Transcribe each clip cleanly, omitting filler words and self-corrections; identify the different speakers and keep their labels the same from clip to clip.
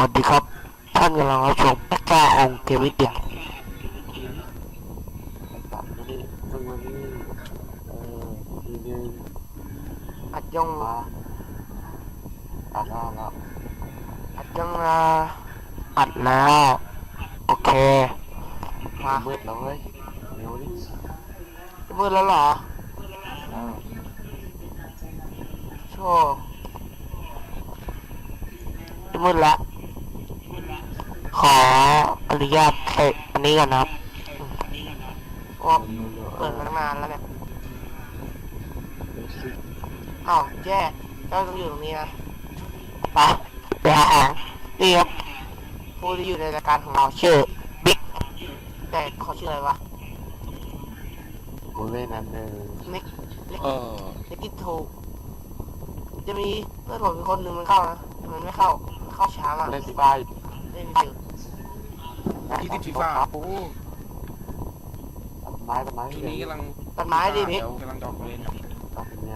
Speaker 1: วัสดีครับท่านกำลังรับชมพระเจ้าองค์เกมวิทยา
Speaker 2: ตัดมาดิมึงมาดิทีนึง
Speaker 1: อัดยัง
Speaker 2: มาตัดแล้ว
Speaker 1: อัดยังอัดแล้วโอเคมา
Speaker 2: มืดแล้วเว้ยเร็วดิ
Speaker 1: มืดแล้วเหรอโชว์มืดแล้วขออนุญาตเตะอันนี้ก่อนนะครับว่าเปิดมาตั้งนานแล้วเนี่ยอ้าวแย่เจ้าต้องอยู่ตรงนี้นะไปหาอ่างนี่ครับผู้ที่อยู่ในรายการของเราชื่อบิ๊กแต่เขาชื่ออะไรวะ
Speaker 2: กูเล่นนั่น
Speaker 1: เล็กเล็กกิทูจะมีเพื่อนผมอีกคนหนึ่งมันเข้านะมันไม่เข้าช้ามาก
Speaker 2: เล่นที่ไ
Speaker 1: ปเล่นฟิว
Speaker 3: ที่ติดฟีฟ่าโอ้
Speaker 2: ต้นไม้
Speaker 3: ช่วงนี้กำลัง
Speaker 1: ตัดไม้ดิพี่
Speaker 3: กำลังดอกเล่น
Speaker 2: ตัดเนี่ย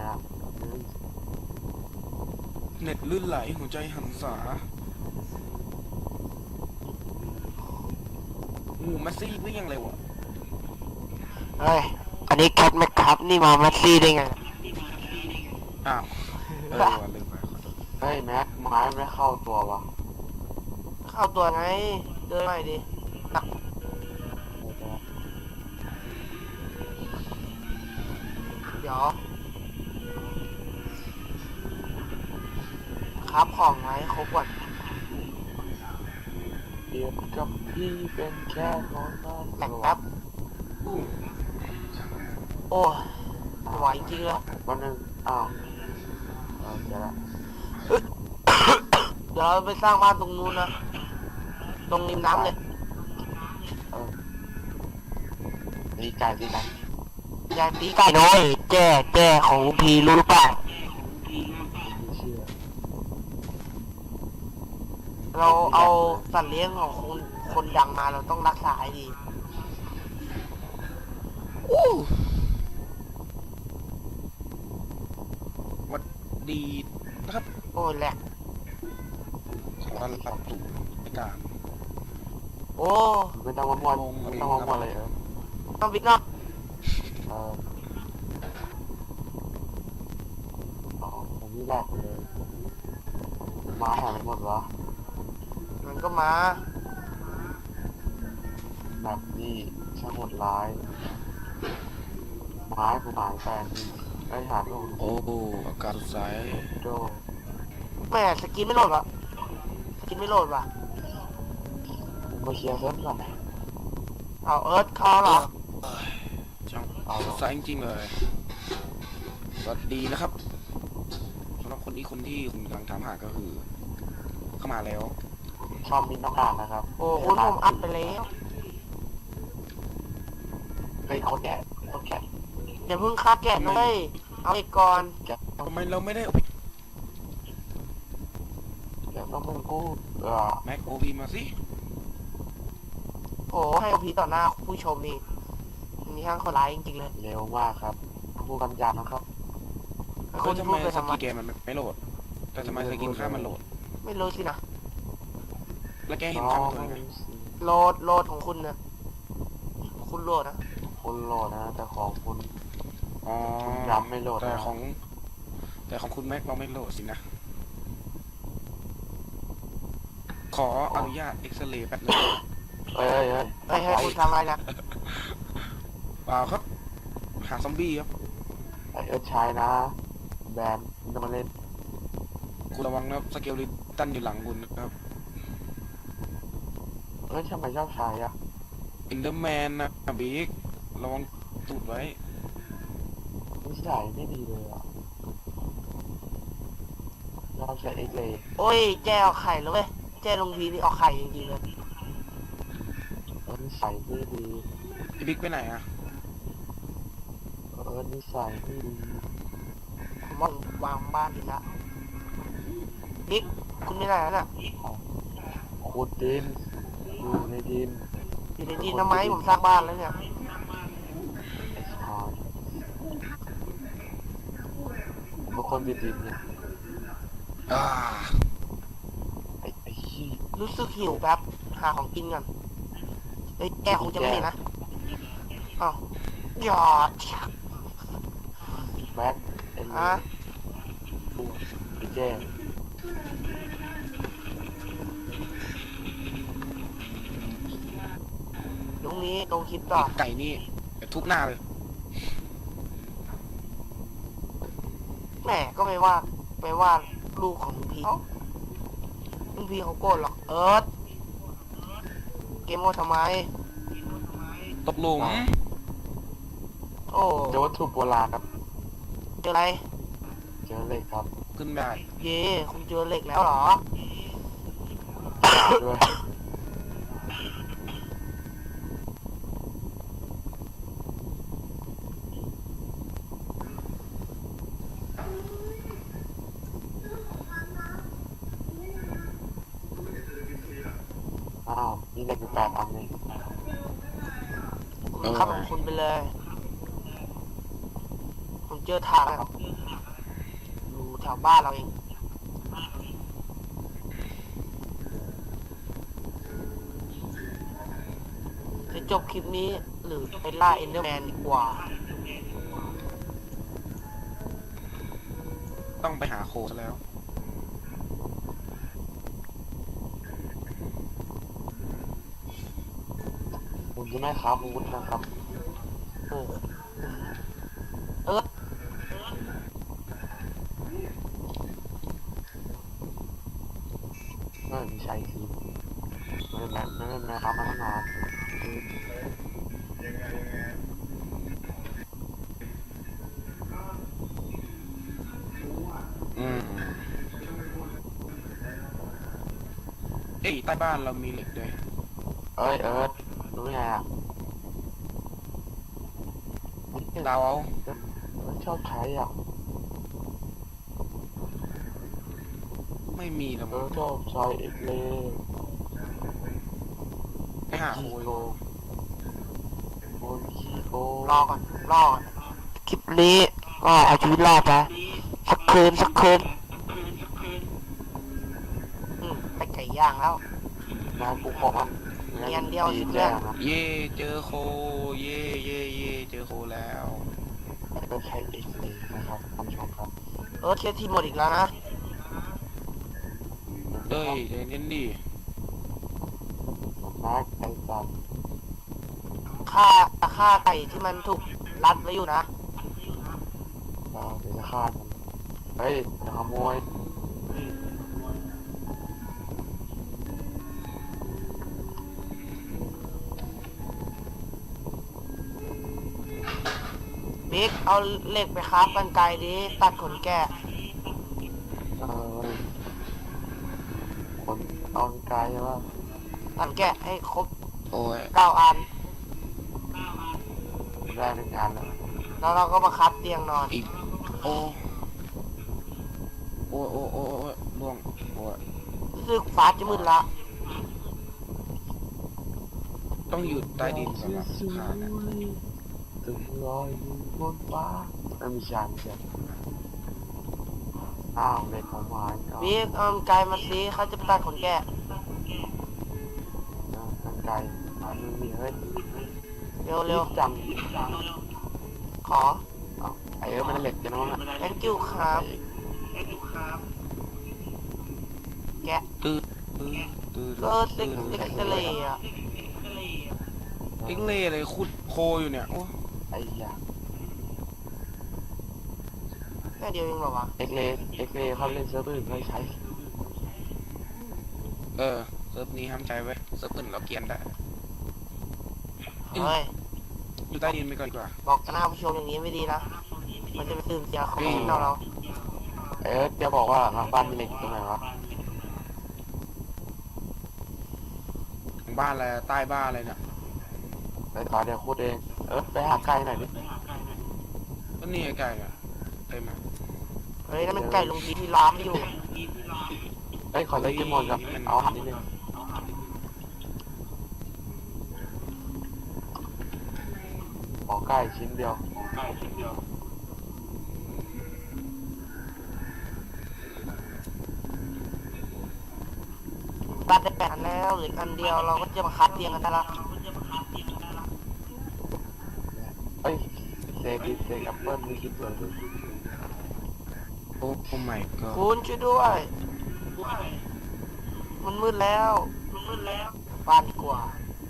Speaker 3: เน็ตลื่นไหลหัวใจหันษาแมสซี่วิ่งยังเร็วอ่ะ
Speaker 1: เฮ้ยอันนี้แคทแมคครับนี่มาแมสซี่ได้ไง
Speaker 3: อ้าวลืมไป
Speaker 2: เฮ้ยแม็กไม้ไม่เข้าตัววะ
Speaker 1: เข้าตัวไงเดินหน่อยดิเดี๋ยวครับของไงครบก่อน
Speaker 2: เดียวกับพี่เป็นแค่น้องน้อง
Speaker 1: แต่งแป๊บโอ้ไหวจริงเลย
Speaker 2: วันหนึ่งอ้าวเดี๋ยวละ
Speaker 1: เดี๋ยวเราไปสร้างบ้านตรงนู้นนะตรงริมน้ำเลย
Speaker 2: ดีใจ
Speaker 1: อย่าตีไก่น้อยแจ้ของลุงพีรู้หรือเปล่าเราเอาสัตว์เลี้ยงของคนดังมาเราต้องรักษาให้ดี
Speaker 3: วัดดีนะครับ
Speaker 1: โอ้แหลก
Speaker 3: ขอต้อนรับสู่รายการ
Speaker 1: โอ้
Speaker 2: ไม่ต้องมาวนไม่ต้องมาวนเลย
Speaker 1: ต้องบิ๊กเนาะ
Speaker 2: ผมนี่แหลกเลยมาหายหมดวะ
Speaker 1: มันก็มา
Speaker 2: แบบนี้ช่างโหดร้ายไม้กูหายแฟนไอ้หาลูก
Speaker 3: โอ้อากาศสดใส
Speaker 2: โด
Speaker 1: แม่สกินไม่โหลดวะสกินไม่โหลดวะ
Speaker 2: มาเคลียร์เซิร์ฟก่อน
Speaker 1: เอาเอิร์ธเข้าเหรอ
Speaker 3: ช่างสดใสจริงๆเลยสวัสดีนะครับสำหรับคนที่คุณกำลังถามหาก็คือเข้ามาแล้ว
Speaker 2: ชอบมินต้องการนะครับ
Speaker 1: โอ้คุณผมอัดไปแล้ว
Speaker 2: เฮ้ยเขาแก่
Speaker 1: อย่าเพิ่งฆ่าแกะเลยเอาอีกก่อน
Speaker 3: ทำไมเราไม่ได้
Speaker 2: เดี๋ยวต้องมึงกู้
Speaker 3: แม็กโอพีมาสิ
Speaker 1: โอ้ให้อพีต่อหน้าผู้ชมนี่นี่ห้างเขาร้ายจริงๆเลย
Speaker 2: เร็วมากครับผู้กำจัดนะครับ
Speaker 3: คนทำไมสกีเกมมันไม่โหลดแต่ทำไมสกินค่ามันโหลด
Speaker 1: ไม่รู้สินะ
Speaker 3: แล้วแกเห็นค่ามันไหม
Speaker 1: โหลดของคุณนะคุณโหลดนะ
Speaker 2: คุณโหลดนะแต่ของคุณยำไม่โหลด
Speaker 3: แต่ของคุณแม็กเราไม่โหลดสินะขออนุญาตเอ็กซเรย์แป๊บนึง
Speaker 1: ให้คุณทำอะไรนะ
Speaker 3: เปล่าครับหาซอมบี้ครับ
Speaker 2: ใช้นะแบนจะมาเล่น
Speaker 3: คุณระวังนะสเกลลิตันอยู่หลังคุณนะครับ
Speaker 2: ทำไมชอบใช้อะ
Speaker 3: อินเดอร์แมนนะบิ๊กระวังตูดไว้
Speaker 2: นิสัยไม่ดีเลยอ่ะเราใช้เอ็กเลย
Speaker 1: โอ้ยแจ้ออกไข่แล้วเว้ยแจ้ลงพีนี่ออกไข่จริงๆเลย
Speaker 2: นิสัยไม่ดี
Speaker 3: พี่บิ๊กไปไหนอะ
Speaker 2: นิสัยไม่ดี
Speaker 1: ผมวางบ้านอีกแล้วบิ๊กคุณไม่ได้แล้วน่ะ
Speaker 2: ขุดดินอยู่ในดิน
Speaker 1: ทำไมผมสร้างบ้านแล้วเนี่ย
Speaker 2: บางคนดินเนี่ยไอ้
Speaker 1: รู้สึกหิวแป๊บหาของกินก่อนเฮ้ยแกคงจะไม่เห็นนะอ้าวหยอด
Speaker 2: แม็กเอ็น
Speaker 1: อ่ะ
Speaker 2: บูพี่แจ้
Speaker 1: ตรงนี้ตรงคลิปต่อ
Speaker 3: ไก่นี่เดี๋ยวทุบหน้าเลย
Speaker 1: แหมก็ไม่ว่าลูกของลุงพีลุงพีเขาโกรธหรอกเอิร์ธเกมโมทำไม
Speaker 3: ตกหลุม
Speaker 1: โอ้
Speaker 2: เจอวัตถุโบราณครับ
Speaker 1: เจออะไร
Speaker 2: เจอเหล็กครับ
Speaker 3: ขึ้นได้
Speaker 1: เย่คุณเจอเหล็กแล้วเหรอ
Speaker 2: ด้วย อ้าวมีเหล็กอยู่8 อันเลย
Speaker 1: คุณครับของคุณไปเลย ผมเจอทางนะครับอยู่แถวบ้านเราเองจะจบคลิปนี้หรือไปล่าเอนเดอร์แมนดีกว่า
Speaker 3: ต้องไปหาโคซะแล้ว
Speaker 2: คุณจะไม่ครับอาวุธนะครับ
Speaker 1: โอ้เอิร์ธ
Speaker 2: ไม่ใช่คือไม่ได้แม่ครับมาตั้งนาน
Speaker 3: อืมเอ้ยใต้บ้านเรามีเหล็กด้วย
Speaker 2: เอ้ยเอิร์ธรู้ไงอ่ะ
Speaker 3: ดาวเอา
Speaker 2: ชอบใช้อ่ะ
Speaker 3: ไม่มีแล้วมั้ง
Speaker 2: ชอบใช้เอ็กเล
Speaker 3: ไปหาโค
Speaker 2: โก
Speaker 3: อยู่
Speaker 2: โอนคีโก
Speaker 1: รอก่อนคลิปนี้ก็เอาชีวิตรอดนะสักคืนไปไก่ย่างแล้ว
Speaker 2: งานกูของมัน
Speaker 1: เรียนเดียวสิเพื่อน
Speaker 2: นะ
Speaker 3: เย่เจอโคเย่เจอโคแล้ว
Speaker 2: ก็ใช้เอ็กเลนะครับท่านผู้ชมครับ
Speaker 1: เอิร์ธเคสทีหมดอีกแล้วนะ
Speaker 3: เอ้ยใจเย็นดิ
Speaker 2: มาร์กไอ้สัตว์
Speaker 1: ฆ่าไก่ที่มันถูกรัดไว้อยู่นะ
Speaker 2: เดี๋ยวจะฆ่ามันเฮ้ยจะขโมย
Speaker 1: บิ๊กเอาเหล็กไปคราฟกันไกลดิตัดขนแกะ
Speaker 2: เออคนเอาไกลว่า
Speaker 1: ตัดแกะให้ครบ
Speaker 3: โอ้ย
Speaker 1: 9 อัน
Speaker 2: ได้เป็นงานแล้ว
Speaker 1: แล้วเราก็มาคราฟเตียงนอน
Speaker 3: อีกโอ้ล่วงโอ้ย
Speaker 1: รู้สึกฟ้าจะมืดละ
Speaker 3: ต้องอยู่ใต้ดินสำหรับฆ่าเนี่ย
Speaker 2: ถึงลอยอยู่บนฟ้าไม่มีชานเชียวอ้าวเด็กของหวานก็
Speaker 1: บิ๊กเอาไกลมาสิเขาจะไปตัดขนแกะ
Speaker 2: ทางไกลมันมีเฮ้ย
Speaker 1: เร็ว
Speaker 2: จัง
Speaker 1: ๆขอ
Speaker 2: ไอ้มันเหล็กจะน้องอ่ะ
Speaker 1: thank you ครับแกะ
Speaker 3: ตื้อ
Speaker 1: ก็เล็กทะเลอ่ะ
Speaker 3: เอ็งเล่เลยขุดโคอยู่เนี่ยโอ้
Speaker 2: ไอ้ยา
Speaker 1: แค่เดียวเองเหรอวะ
Speaker 2: เอ็กเลเขาเล่นเซิร์ฟอื่นไม่ใช้
Speaker 3: เออเซิร์ฟนี้ห้ามใจไว้เซิร์ฟอื่นเราเกรียนได้
Speaker 1: เฮ้ย
Speaker 3: อยู่ใต้ดินไปก่อนดีกว่า
Speaker 1: บอกหน้าผู้ชมอย่างนี้ไม่ดีนะ มันจะไปตื่นเสียของเรา
Speaker 2: จะบอกว่าหลังบ้านมีเหล็กตรงไหนวะ
Speaker 3: ของบ้านอะไรใต้บ้านอะไรเนี่ย
Speaker 2: ไปต่อเดี๋ยวพูดเองไปหาไก่หน่อยดิ
Speaker 3: ก็นี่ไก่อะเต็มอะ
Speaker 1: เฮ้ยนั่นมันไก่ลงพีที่ล้ามอยู่
Speaker 2: ขอเล่นเกมมอนกับเอาหันนิดนึงขอไก่ชิ้นเดียว
Speaker 1: ตัดได้8 อันแล้วเหลืออันเดียวเราก็จะมาคัดเตียงกันได้ละ
Speaker 2: เอ้ยเสกแอปเปิ้ลไม่คิดเลย
Speaker 3: โอ้ไม่ก็
Speaker 1: คุณช่วยด้วย มันมืดแล้วบ้านดีกว่า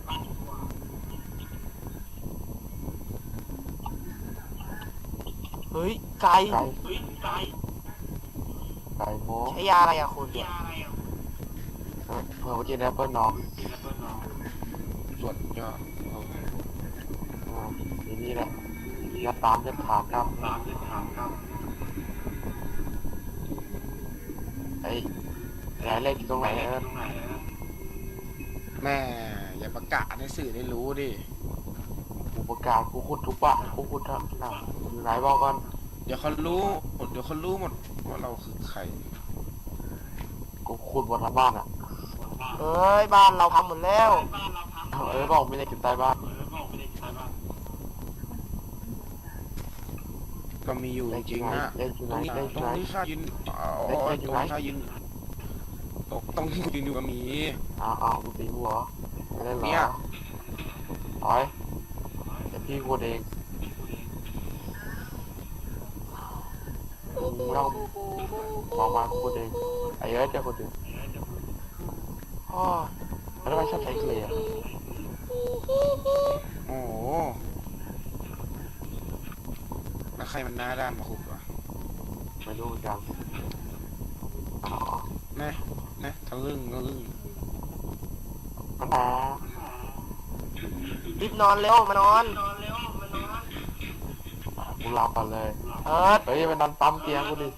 Speaker 1: เฮ้ยไก่
Speaker 2: ไก่โม้
Speaker 1: ใช้ยาอะไรอะคุณ
Speaker 2: เผื่อว่ากินแอปเปิ้ลน้อง
Speaker 3: ส่วนยอด
Speaker 2: ทีนี้แหละยัดตามยัดถามครับไอ้ยายเล่นอยู่ตรงไหนเออ
Speaker 3: แม่อย่าประกาศให้สื่อได้รู้ดิ
Speaker 2: กูประกาศกูขุดทุกปะกูขุดทั้งน่ะอยู่ไหนบอกก่อน
Speaker 3: เดี๋ยวเขารู้หมดว่าเราคือใคร
Speaker 2: กูขุดบนทั้งบ้านอ่ะ
Speaker 1: เอ้ยบ้านเราทำหมดแล้ว
Speaker 2: บอกไม่ได้กินใต้บ้าน
Speaker 3: ก็มีอยู่จริงๆนะ
Speaker 2: เล่นอยู่
Speaker 3: ต
Speaker 2: ไห
Speaker 3: ร
Speaker 2: น
Speaker 3: งนี้
Speaker 2: เล่นอยู่
Speaker 3: ตร
Speaker 2: ไหน
Speaker 3: งนี้ข้ายืนตรงนี้ข้ายืนตรงที่ยืนอยู่ก็มี
Speaker 2: อ้าวมึงตีหัวไม่ได้เหร
Speaker 3: เนี่
Speaker 2: อย ถอยเดี๋ยวพี่ขุดเองมึงต้องบอกมาขุดเองไอ้เอ้ยจะขุดเอง
Speaker 1: อ๋อ
Speaker 2: แล้วทำไมชอบใช้เคลย์อะ
Speaker 3: โอ้โหแล้วใครมันหน้าด้านมาขุดวะ
Speaker 2: ไม่รู้เหมือนกันอ๋อ
Speaker 3: นะทะลึ่ง
Speaker 2: มันมา
Speaker 1: รีบนอนเร็วมานอน
Speaker 2: กูหลับก่อนเลย
Speaker 1: เอิร์ด
Speaker 2: เฮ้ยมันนอนปั๊มเตียงกูดิ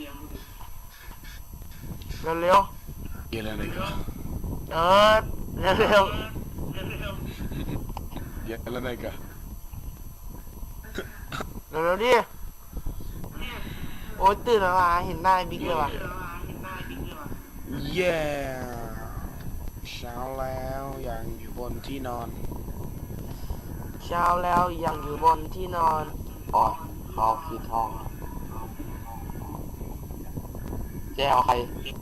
Speaker 1: เร็ว
Speaker 3: เยอะแล้วเลยก็
Speaker 1: ๆเอิร์ดเร็ว
Speaker 3: เยอะแล้วเลยก็
Speaker 1: ๆเร็วๆดิโอ๊ยตื่นมาเห็นหน้าไอ้บิ๊กเลยว่ะ
Speaker 3: เย้เช้าแล้วยังอยู่บนที่นอน
Speaker 1: เช้าแล้วยังอยู่บนที่นอน
Speaker 2: อ๋อเขาคิดห้องแจ้เอาใคร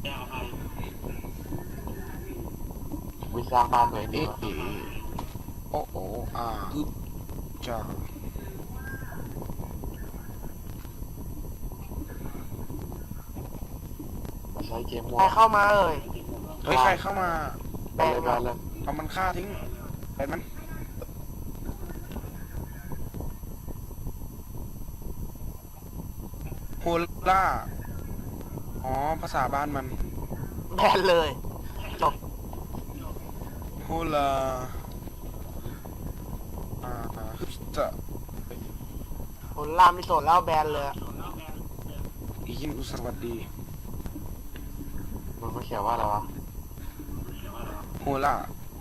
Speaker 2: วิสร้างบ้านตัวเองดี
Speaker 3: เอ๊ะ
Speaker 2: กว่า
Speaker 3: โอ้โอ้อึ๊บจ้า
Speaker 2: มาใช้เกมมั่ว
Speaker 1: ใครเข้ามาเอ่ย
Speaker 3: เฮ้ยใครเข้ามา
Speaker 2: ไปเลย
Speaker 3: เอามันฆ่าทิ้งไปมันโฮล่าอ๋อภาษาบ้านมัน
Speaker 1: แบนเลยจบ
Speaker 3: โฮล่าฮึบจะ
Speaker 1: ผลลามที่โสดแล้วแบนเลยอะ
Speaker 3: อีกินอุสวัสดี
Speaker 2: มันไม่เขียนว่าอะไรวะ
Speaker 3: โฮล่า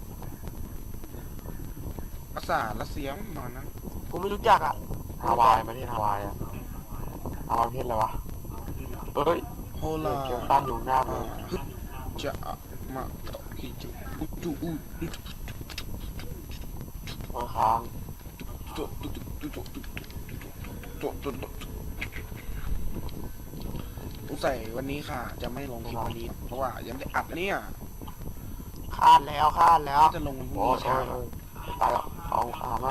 Speaker 3: ภาษารัสเซียประมาณนั้น
Speaker 1: กูไม่รู้จักอ่ะ
Speaker 2: ฮาวายมาที่ฮาวายอะฮาวายประเทศอะไรวะเอ้ย
Speaker 3: โฮล่า
Speaker 2: เขียวตั้นอยู่หน้ามึง
Speaker 3: ฮึบจะมาต่อฮิจูอุจูอุ
Speaker 2: มาค้าง
Speaker 3: สงสัยวันนี้ค่ะ จะไม่ลงคลิปวันนี้ เพราะว่ายังไม่ได้อัดเนี่ย
Speaker 1: คาดแล้ว
Speaker 3: จะลงวันพรุ่ง
Speaker 2: โอ้
Speaker 3: นี้
Speaker 2: ย
Speaker 3: เช้า
Speaker 2: ตายแล้วเอามา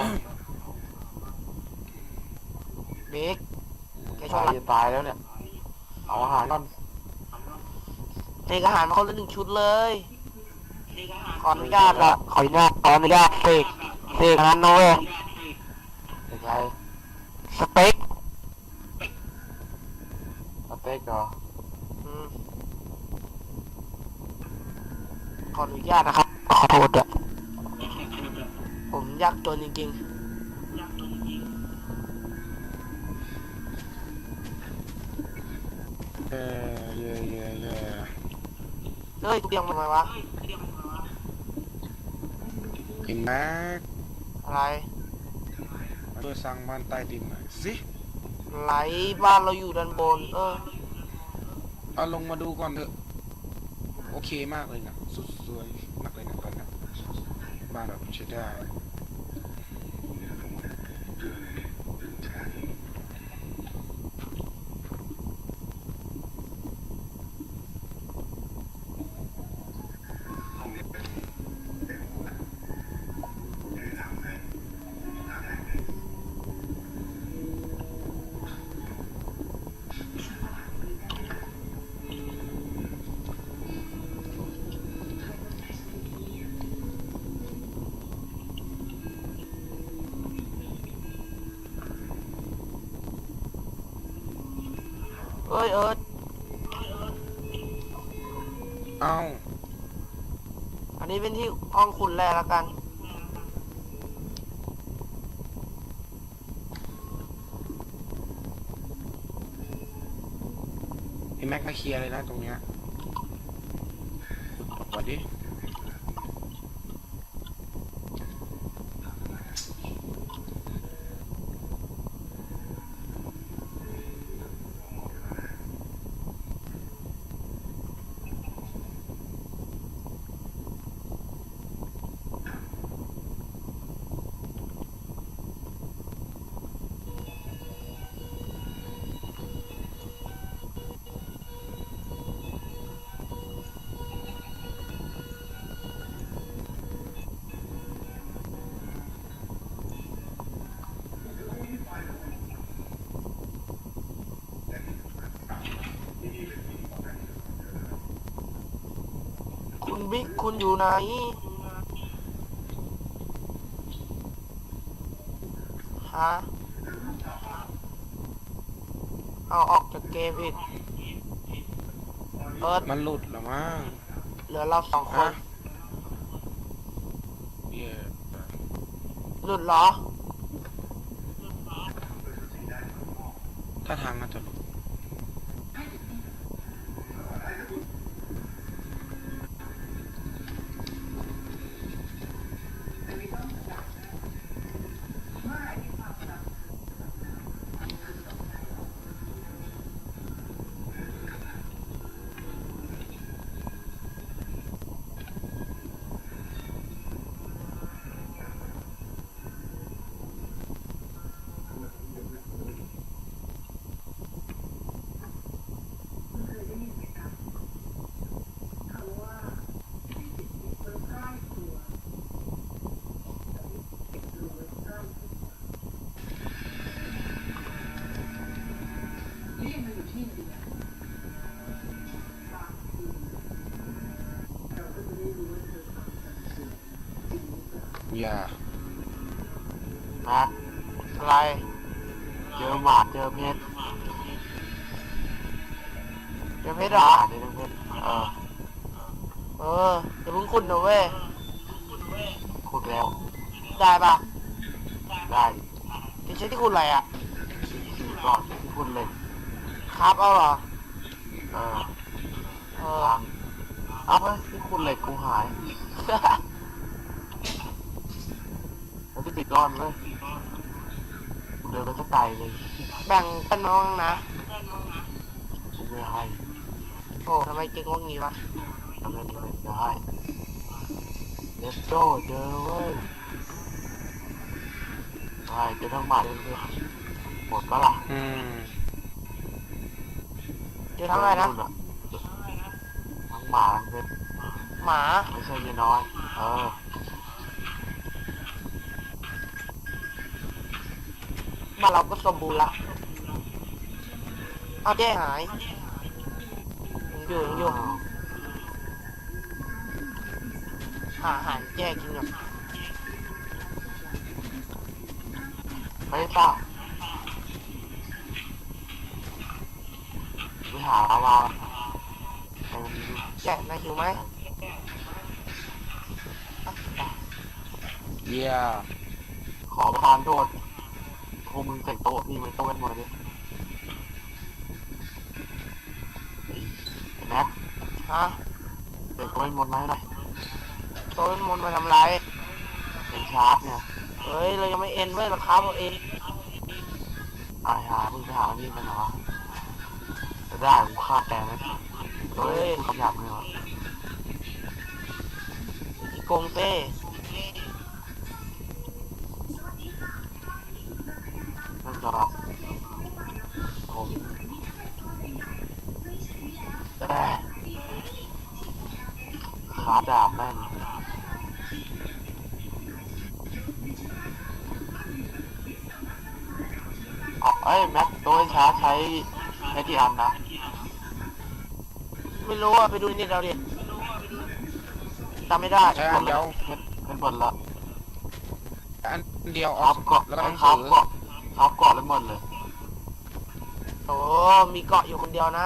Speaker 1: บิ๊กแกช
Speaker 2: ตา
Speaker 1: วย รับ
Speaker 2: จะตายแล้วเนี่ยเอาอาหารก่อน
Speaker 1: เทอาหารมาคนละ1 ชุดเลย ขออนุญาตละขออนุญาตเสกอันนั้นโน้ย
Speaker 2: เป็นไง
Speaker 1: สเต็ก
Speaker 2: สเต็กเหรอ
Speaker 1: อืมขออนุญาตนะครับ ขอโทษด้วยผมยากจนจริง
Speaker 3: เย่เย่
Speaker 1: ๆเฮ้ยกูเรียงมันทำไมวะ
Speaker 3: เห็นไหม
Speaker 1: อะไร
Speaker 3: มาช่วยสร้างบ้านใต้ดินหน่อยสิ
Speaker 1: ไหลบ้านเราอยู่ด้านบน
Speaker 3: เอาลงมาดูก่อนเถอะ โอเคมากเลยนะสุดสวยมากเลยนะตอนนี้บ้านแบบใช้ได้
Speaker 1: เอ้ยเอิร์ธ
Speaker 3: เอ้า
Speaker 1: อันนี้เป็นที่ห้องขุดแร่แล้วกัน
Speaker 3: ไอ้แม็กมาเคลียร์เลยนะตรงเนี้ยขุดออกก่อนดิ
Speaker 1: คุณบิ๊กคุณอยู่ไหนฮะเอาออกจากเกมอีกเอิร์ธ
Speaker 3: มันหลุดเหรอมั้ง
Speaker 1: เหลือเราสองคน
Speaker 3: ฮะ เหี้ย
Speaker 1: หลุดเหรอ
Speaker 3: ถ้าทางน่าจะหลุด อย่า
Speaker 2: แม็ก
Speaker 1: อะไร
Speaker 2: เจอหมาเจอเพชร
Speaker 1: เดี๋ยวเพชรเหรอ
Speaker 2: นี่เพชร
Speaker 1: เออเดี๋ยวเพิ่งขุดนะเว้ย
Speaker 2: ขุดแล้ว
Speaker 1: ได้ปะ
Speaker 2: ได้ดิ
Speaker 1: จะใช้ที่ขุดอะไรอ่ะ
Speaker 2: ก่อนที่ขุดเหล็ก
Speaker 1: ครับเอาเหรอ
Speaker 2: เออ
Speaker 1: เออ
Speaker 2: ทางเอาไปที่ขุดเหล็กกูหายแล้วที่ติดก้อนเลยกูเดินไปสักไกลเลย
Speaker 1: แบ่งเป็นน้องนะ
Speaker 2: กูไม่ให้
Speaker 1: โอ้ทำไมเก่งว่างงี้วะ
Speaker 2: ทำไมไม่ได้เลสโตเจอเว้ยใช่เจอทั้งหมาเลยเพื่อนหมดก็ล่ะ
Speaker 3: อืม
Speaker 1: เจอทั้งอะไรนะ
Speaker 2: ทั้งหมาทั้งเพชร
Speaker 1: หมา
Speaker 2: ไม่ใช่เมียน้อย เออ
Speaker 1: บ้านเราก็สมบูรณ์ละเอาแจ้หายยังอยู่หาอาหารแจ้กินก่อน
Speaker 2: ไปป่ะไปหาลาวาไปมันมี
Speaker 1: แจ้นายหิวไหม
Speaker 3: เยี่ย
Speaker 2: ขอประทานโทษพวกมึงเสร็จโต๊ะพี่มันโต๊ะกันหมดเลยไอ้แม็ก
Speaker 1: ฮะ
Speaker 2: เสร็จโต๊ะกันหมดไหมหน่อย
Speaker 1: โต้นมนต์มาทำไร
Speaker 2: เป็นชาร์จเนี่ย
Speaker 1: เฮ้ยเรายังไม่เอ็นเว้ยเราค้าเอาเอง
Speaker 2: ไอ้หามึงไปหานี่กันเหรอจะได้กูฆ่าแกไหมโดยกูคำหยาบเลยวะ
Speaker 1: อีโกงเต้
Speaker 2: นั่นจะแบบผมขาดาบแม่งเอ้ยแม็กตัวชาร์จใช้กี่อันนะ
Speaker 1: ไม่รู้อ่ะไปดูนี่เราดิจำไม่ได้
Speaker 3: ใช้อันเดียว
Speaker 2: เป็นหมดละ
Speaker 3: อันเดียวอ
Speaker 2: ครั
Speaker 3: อบ ก
Speaker 2: เกาะ
Speaker 3: แล้วก็หนัง
Speaker 2: ครั
Speaker 3: สื
Speaker 2: บ
Speaker 3: อ
Speaker 2: เกาะครับเกาะเลยหมดเลย
Speaker 1: ไปโอ้มีเกาะอยู่คนเดียวนะ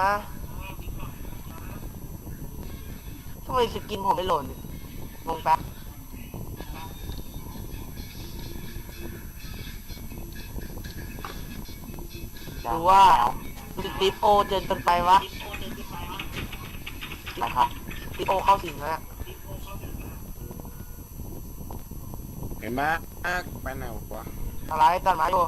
Speaker 1: ทำไมสกินผมไม่โหล่นงงแป๊บหรือว่าสตีฟโอเจนเป็นไปวะ
Speaker 2: นะครับ
Speaker 1: สตีฟโอเข้าสิงแล้วเนี่ย
Speaker 3: เห็นไหมไปไหนวะ
Speaker 1: อะไรตัดไม้อยู่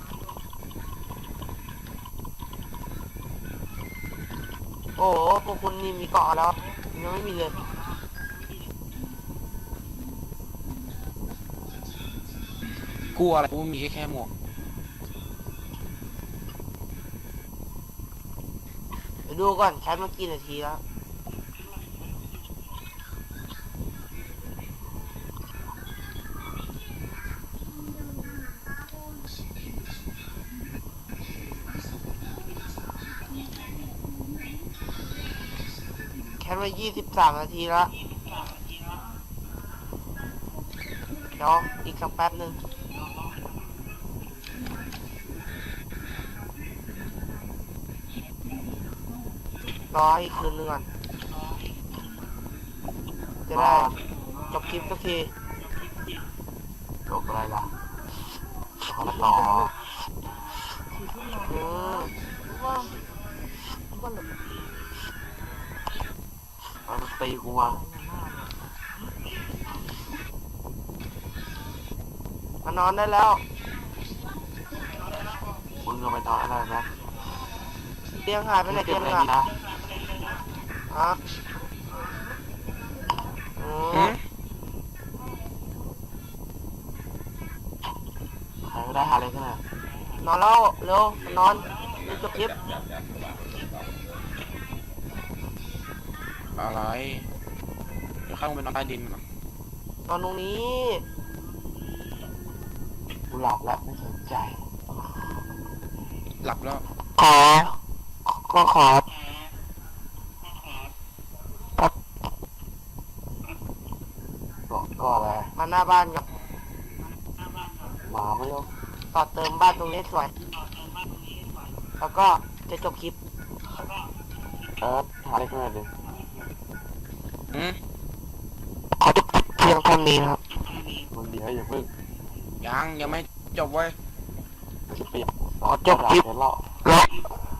Speaker 1: โอ้โหพวกคุณนี่มีเกาะแล้วยังไม่มีเลย
Speaker 3: กลัวอะไรกูมีแค่หมวก
Speaker 1: เดี๋ยวดูก่อนแคปมากี่นาทีแล้วแคปมา23 นาทีแล้วเดี๋ยวอีกสักแป๊บหนึ่งรออีกคืนนึงก่อนจะได้จบคลิปสักที
Speaker 2: จบอะไรล่ะขอต่อ
Speaker 1: อืม
Speaker 2: มันตีกูมา
Speaker 1: มานอนได้แล้ว
Speaker 2: มึงก็ไปนอนอะไรนะ
Speaker 1: เตียงหายไปไหน
Speaker 2: เก็
Speaker 1: เตี
Speaker 2: บ
Speaker 1: ยง
Speaker 2: อะไร
Speaker 1: อ่ะ
Speaker 2: ดีนะ
Speaker 1: ฮะอืม
Speaker 2: ใครก็ได้หาอะไรขึ้นมาน
Speaker 1: อนแล้วเร็วมานอนรีบจบคลิป
Speaker 3: อะไรเดี๋ยวเข้าไปนอนใต้ดินก่อน
Speaker 1: นอนตรงนี้
Speaker 2: กูหลับแล้วไม่สนใจ
Speaker 3: หลับแล้ว
Speaker 1: ขอ
Speaker 2: ก็อะไร
Speaker 1: มาหน้าบ้านกับ
Speaker 2: หมาไม่รู้
Speaker 1: ต่อเติมบ้านตรงนี้สวย แล้วก็จะจบคลิป
Speaker 2: หาอะไรขึ้นมาดิ
Speaker 3: อืม
Speaker 1: ขอจบคลิปเพียงเท่านี้ครับ
Speaker 2: มึงเดี๋ยวอย่าเพิ่ง
Speaker 3: ยังไม่จบเว้ย
Speaker 2: จะเปลี่ยน
Speaker 1: ขอจบคลิป
Speaker 2: เดี๋ยวเล่า
Speaker 1: แล้ว